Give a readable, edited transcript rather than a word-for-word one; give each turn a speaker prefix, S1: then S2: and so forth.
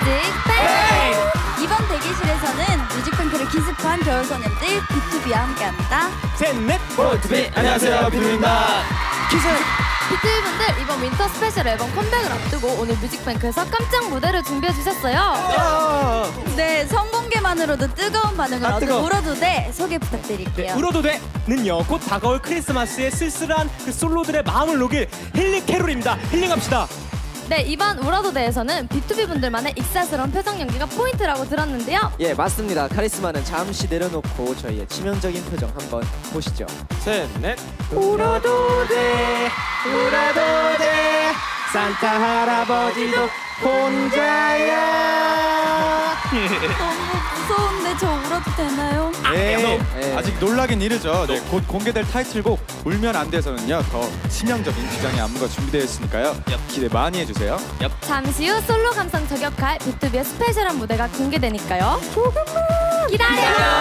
S1: 뮤직뱅크! 이번 대기실에서는 뮤직뱅크를 기습한 겨울소년들 B2B와 함께합니다.
S2: 셋넷 B2B 안녕하세요 B2B입니다. 기습
S3: B2B분들 이번 윈터 스페셜 앨범 컴백을 앞두고 오늘 뮤직뱅크에서 깜짝 무대를 준비해주셨어요.
S1: 네, 성공개만으로도 뜨거운 반응을 얻은
S2: 뜨거워.
S1: 울어도돼 소개 부탁드릴게요.
S2: 울어도돼는요 곧 다가올 크리스마스의 쓸쓸한 그 솔로들의 마음을 녹일 힐링 캐롤입니다. 힐링합시다.
S3: 네, 이번 울어도대에서는 B2B분들만의 익살스러운 표정 연기가 포인트라고 들었는데요.
S4: 예, 맞습니다. 카리스마는 잠시 내려놓고 저희의 치명적인 표정 한번 보시죠.
S2: 셋넷 울어도돼 울어도돼 산타 할아버지도 혼자야.
S1: 너무 무서운데 저 울어도 되나요?
S5: 네,
S4: 네.
S5: 아직 놀라긴 이르죠. 네, 곧 공개될 타이틀곡 울면 안 돼서는요 더 치명적인 기장의 안무가 준비되어 있으니까요. 기대 많이 해주세요.
S3: 잠시 후 솔로 감성 저격할 B2B의 스페셜한 무대가 공개되니까요. 조금만 기다려!